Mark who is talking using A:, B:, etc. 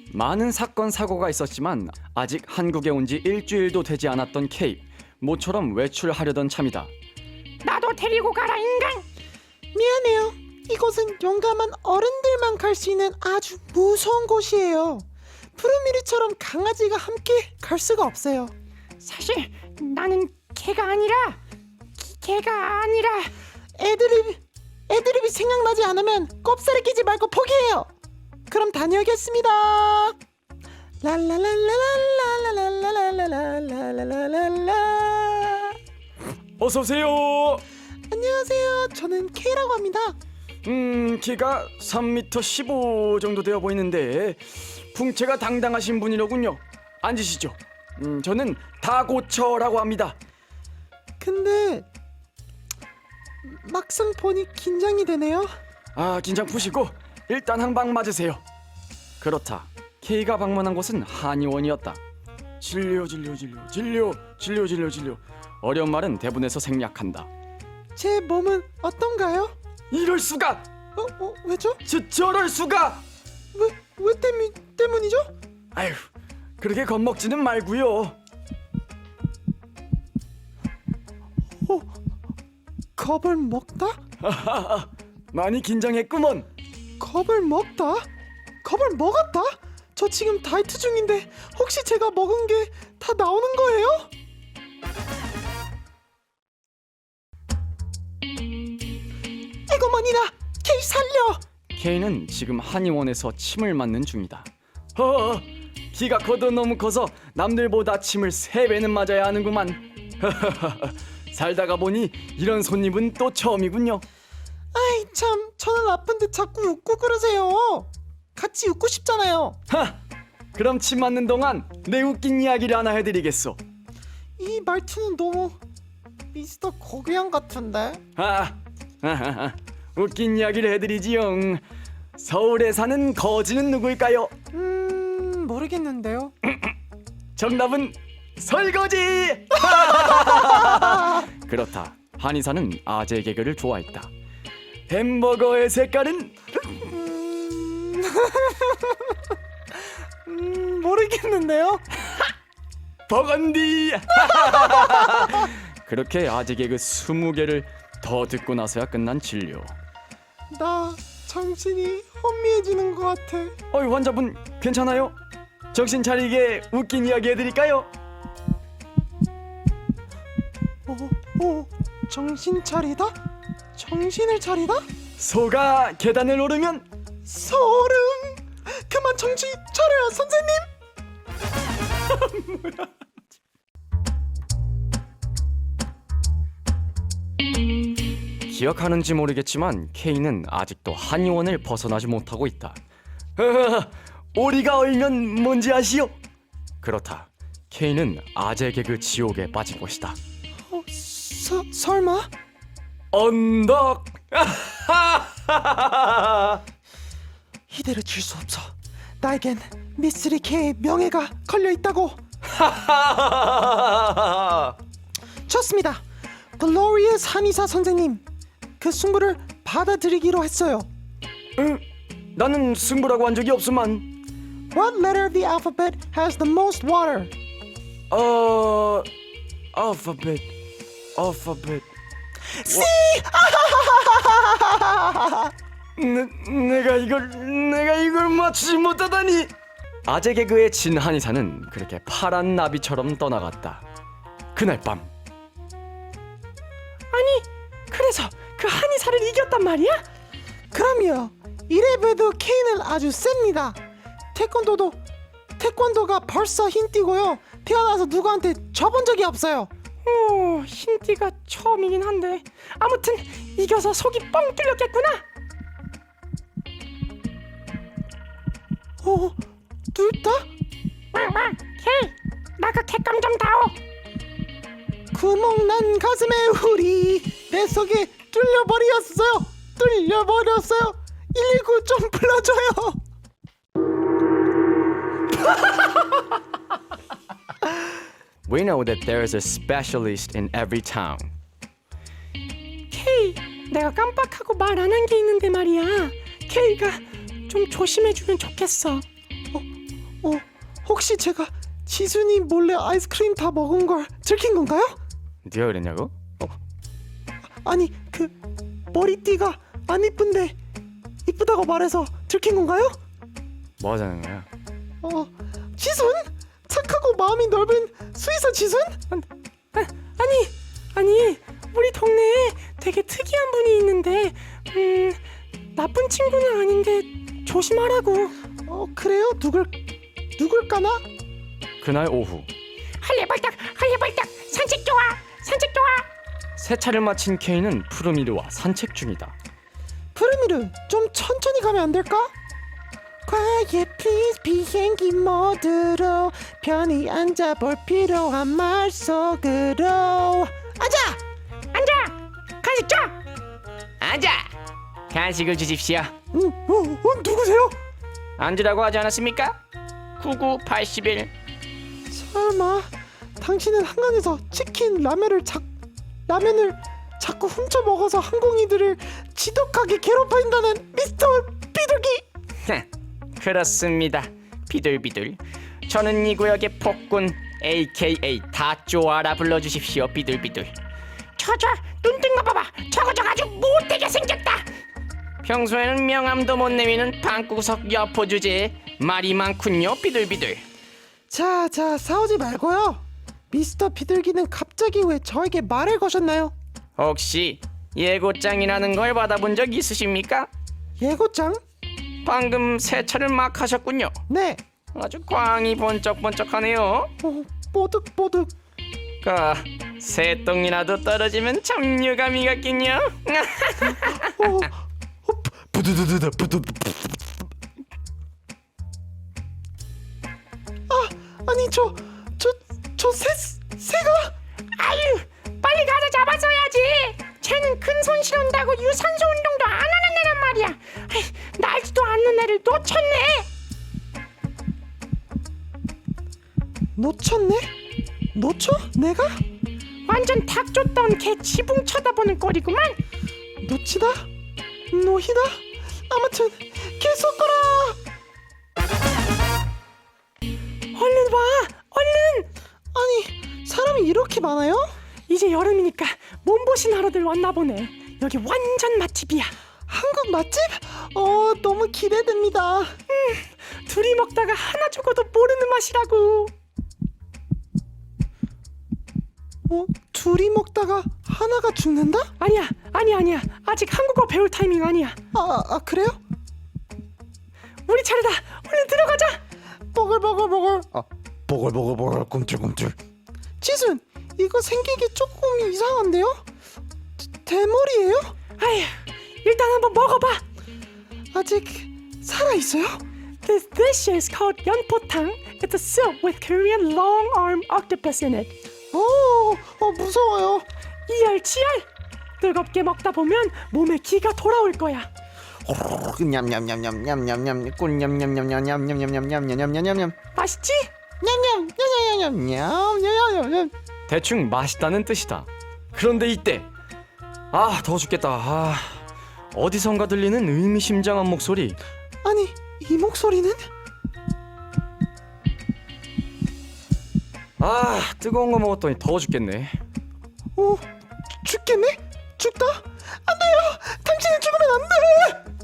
A: 많은 사건 사고가 있었지만 아직 한국에 온 지 일주일도 되지 않았던 K. 모처럼 외출하려던 참이다.
B: 나도 데리고 가라 인간.
C: 미안해요. 이곳은 용감한 어른들만 갈 수 있는 아주 무서운 곳이에요. 푸르미리처럼 강아지가 함께 갈 수가 없어요.
B: 사실 나는 개가 아니라
C: 애드립이 생각나지 않으면 꼽사리 끼지 말고 포기해요. 그럼 다녀오겠습니다. 랄랄랄랄랄랄랄랄랄랄랄랄랄랄라.
A: 어서 오세요.
C: 안녕하세요. 저는 K라고 합니다.
A: 키가 3m 15 정도 되어 보이는데 풍채가 당당하신 분이로군요. 앉으시죠. 저는 다고처라고 합니다.
C: 근데 막상 보니 긴장이 되네요.
A: 긴장 푸시고 일단 한 방 맞으세요. 그렇다. K가 방문한 곳은 한의원이었다. 진료. 어려운 말은 대본에서 생략한다.
C: 제 몸은 어떤가요?
A: 이럴 수가!
C: 왜죠?
A: 저럴 수가!
C: 왜 때문이죠?
A: 아휴, 그렇게 겁먹지는 말고요.
C: 겁을 먹다?
A: 많이 긴장했구먼.
C: 겁을 먹다? 겁을 먹었다? 저 지금 다이어트 중인데 혹시 제가 먹은 게 다 나오는 거예요? 에고머니나 K 살려!
A: K는 지금 한의원에서 침을 맞는 중이다. 키가 커도 너무 커서 남들보다 침을 3배는 맞아야 하는구만. 살다가 보니 이런 손님은 또 처음이군요.
C: 아이 참, 저는 아픈데 자꾸 웃고 그러세요. 같이 웃고 싶잖아요.
A: 그럼 침 맞는 동안 내 웃긴 이야기를 하나 해드리겠소.
C: 이 말투는 너무 미스터 고귀양 같은데.
A: 웃긴 이야기를 해드리지요. 서울에 사는 거지는 누구일까요?
C: 모르겠는데요.
A: 정답은 설거지! 그렇다. 한의사는 아재 개그를 좋아했다. 햄버거의 색깔은?
C: 모르겠는데요.
A: 버건디! 그렇게 아재 개그 20개를 더 듣고 나서야 끝난 진료.
C: 나 정신이 혼미해지는 것 같아.
A: 환자분 괜찮아요? 정신 차리게 웃긴 이야기 해드릴까요?
C: 정신 차리다? 정신을 차리다?
A: 소가 계단을 오르면
C: 소름. 그만 정신 차려요 선생님.
A: 기억하는지 모르겠지만 K는 아직도 한의원을 벗어나지 못하고 있다. 오리가 얼면 뭔지 아시오? 그렇다. K는 아재 개그 지옥에 빠진 것이다.
C: 설마?
A: 언덕!
C: 이대로 질 수 없어. 나에겐 미쓰리 K의 명예가 걸려있다고. 좋습니다. 글로리어스 한의사 선생님, 그 승부를 받아들이기로 했어요.
A: 나는 승부라고 한 적이 없으만.
C: What letter of the alphabet has the most water?
A: 알파벳.
C: C!
A: 내가 이걸 맞추지 못하다니. 아재 개그의 진 한의사는 그렇게 파란 나비처럼 떠나갔다. 그날 밤.
C: 아니, 그래서 그 한의사를 이겼단 말이야? 그럼요. 이래봬도 K는 아주 셉니다. 태권도가 벌써 흰띠고요. 태어나서 누구한테 져본 적이 없어요. 흰띠가 처음이긴 한데 아무튼 이겨서 속이 뻥 뚫렸겠구나. 뚫다?
B: K, 나 그 객감 좀 다오.
C: 구멍난 가슴에 우리 내 속에 뚫려버렸어요. 119 좀 불러줘요.
A: We know that there is a specialist in every town.
B: K, 내가 깜빡하고 말 안 한 게 있는데 말이야. K가 좀 조심해주면 좋겠어.
C: 혹시 제가 지순이 몰래 아이스크림 다 먹은 걸 들킨 건가요?
A: 네가 그랬냐고?
C: 아니 그 머리띠가 안 이쁜데 이쁘다고 말해서 들킨 건가요?
A: 뭐 하자는 거야?
C: 지순? 착하고 마음이 넓은 수의사 지순? 아니 우리 동네에 되게 특이한 분이 있는데 나쁜 친구는 아닌데 조심하라고. 그래요? 누굴까나?
A: 그날 오후
B: 할래발딱 산책 좋아.
A: 세차를 마친 케이는 푸르미르와 산책 중이다.
C: 푸르미르 좀 천천히 가면 안 될까? Quiet please 비행기 모드로 편히 앉아볼 필요한 말 속으로 앉아!
B: 간식 줘.
D: 앉아! 간식을 주십시오.
C: 누구세요?
D: 앉으라고 하지 않았습니까? 9981.
C: 설마 당신은 한강에서 치킨 라면을 자꾸 훔쳐 먹어서 항공인들을 지독하게 괴롭힌다는 미스터 비둘기?
D: 그렇습니다. 비둘비둘. 저는 이 구역의 폭군 AKA 다 쪼아라 불러주십시오. 비둘비둘.
B: 저 눈뜬 거 봐봐. 저거 아주 못되게 생겼다.
D: 평소에는 명함도 못 내미는 방구석 여포 주제에 말이 많군요. 비둘비둘.
C: 자 싸우지 말고요. 미스터 비둘기는 갑자기 왜 저에게 말을 거셨나요?
D: 혹시 예고장이라는 걸 받아본 적 있으십니까?
C: 예고장?
D: 방금 세차를 막 하셨군요.
C: 네.
D: 아주 광이 번쩍번쩍하네요.
C: 뽀득뽀득.
D: 새똥이라도 떨어지면 참 유감이 같긴요.
C: 아니 저 새가?
B: 아유, 빨리 가서 잡았어야지. 쟤는 큰 손 실은다고 유산소 운동도 안 하는 애란 말이야. 아이, 날지도 않는 애를 놓쳤네.
C: 놓쳤네? 놓쳐? 내가?
B: 완전 닭 쫓던 개 지붕 쳐다보는 꼴이구만.
C: 놓치다? 노히다? 아무튼 계속 거라.
B: 얼른 와, 얼른.
C: 아니 사람이 이렇게 많아요?
B: 이제 여름이니까 몸보신 하러들 왔나 보네. 여기 완전 맛집이야.
C: 한국 맛집? 너무 기대됩니다.
B: 둘이 먹다가 하나 죽어도 모르는 맛이라고.
C: 둘이 먹다가 하나가 죽는다?
B: 아니야. 아직 한국어 배울 타이밍 아니야.
C: 그래요?
B: 우리 차례다. 얼른 들어가자.
C: 보글보글. 보글보글 꿈틀꿈틀. 지순, 이거 생기기 조금 이상한데요? 대머리예요?
B: 아휴, 일단 한번 먹어봐.
C: 아직 살아 있어요?
B: This dish is called 연포탕. It's a soup with Korean long-arm octopus in it.
C: 무서워요.
B: 이열치열. 뜨겁게 먹다 보면 몸에 기가 돌아올 거야.
C: 냠냠냠냠냠냠냠 꿀냠냠냠냠냠냠냠냠냠냠냠냠
B: 맛있지?
C: 냠냠냠냠냠냠냠냠냠.
A: 대충 맛있다는 뜻이다. 그런데 이때 더 죽겠다. 어디선가 들리는 의미심장한 목소리.
C: 아니 이 목소리는?
A: 뜨거운 거 먹었더니 더워 죽겠네.
C: 죽겠네? 죽다? 안 돼요! 당신은 죽으면 안 돼!